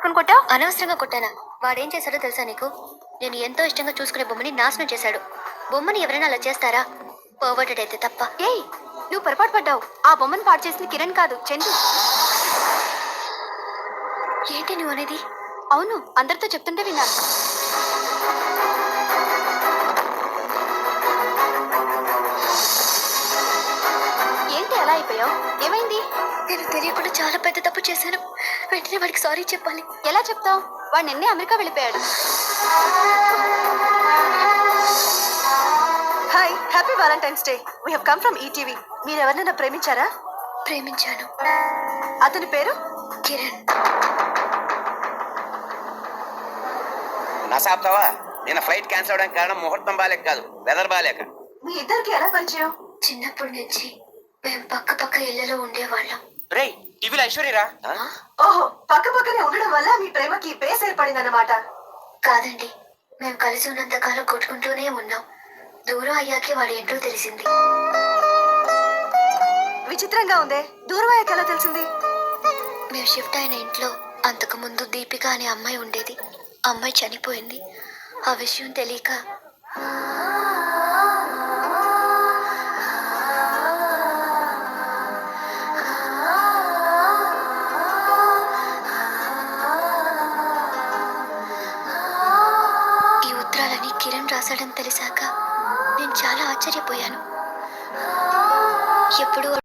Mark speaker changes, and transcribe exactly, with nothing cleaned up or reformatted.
Speaker 1: పట్టుకుని కొట్టావు? అనవసరంగా కొట్టానా? వాడేం చేశాడో తెలుసా నీకు? నేను ఎంతో ఇష్టంగా చూసుకునే బొమ్మని నాశనం చేశాడు. బొమ్మని ఎవరైనా అలా చేస్తారా? పర్వర్టెడ్ అయితే తప్ప. ఏయ్, నువ్వు పొరపాటు పడ్డావు. ఆ బొమ్మను పాడు చేసింది కిరణ్ కాదు, చందు. ఏంటి నువ్వు అనేది? అవును, అందరితో చెప్తుంటే విన్నాను. ఏంటి ఎలా అయిపోయావు? ఏమైంది? నేను తెలియకుండా చాలా పెద్ద తప్పు చేశాను. వెంటనే వాడికి సారీ చెప్పాలి. ఎలా చెప్తావు? వాడు నిన్నే అమెరికా వెళ్ళిపోయాడు.
Speaker 2: Hi, happy Valentine's day. We have come from ETV. మీరు ఎవరినైనా ప్రేమించారా?
Speaker 1: ప్రేమించాను.
Speaker 2: అతని పేరు
Speaker 1: కిరణ్.
Speaker 3: నసాప్తావా? నిన్న ఫ్లైట్ క్యాన్సిల్ అవడానికి కారణం ముహూర్తం బాలేక కాదు, వెదర్ బాలేక.
Speaker 2: మీ ఇద్దరికి ఎలా పరిచయం?
Speaker 1: చిన్నప్పటి నుంచి మేము పక్క పక్క ఇళ్లలో ఉండేవాళ్ళం.
Speaker 3: రేయ్, టీవీలో ఐశ్వర్యరా?
Speaker 2: ఓహో, పక్క పక్కనే ఉండడం వల్ల మీ ప్రేమకి బేస్ ఏర్పడిందన్నమాట.
Speaker 1: కాదండి, మేము కలిసి ఉన్నంత కాలం కొట్టుకుంటూనే ఉన్నాం. దూరం అయ్యాకే వాడి ఏంటో తెలిసింది.
Speaker 2: విచిత్రంగా ఉందే, దూరం అయ్యాక ఎలా తెలిసింది?
Speaker 1: మేము షిఫ్ట్ అయిన ఇంట్లో అంతకు ముందు దీపిక అనే అమ్మాయి ఉండేది. అమ్మాయి చనిపోయింది. ఆ విషయం తెలియక ఈ ఉత్తరాలని కిరణ్ రాశాడని తెలిసాక నేను చాలా ఆశ్చర్యపోయాను. ఎప్పుడు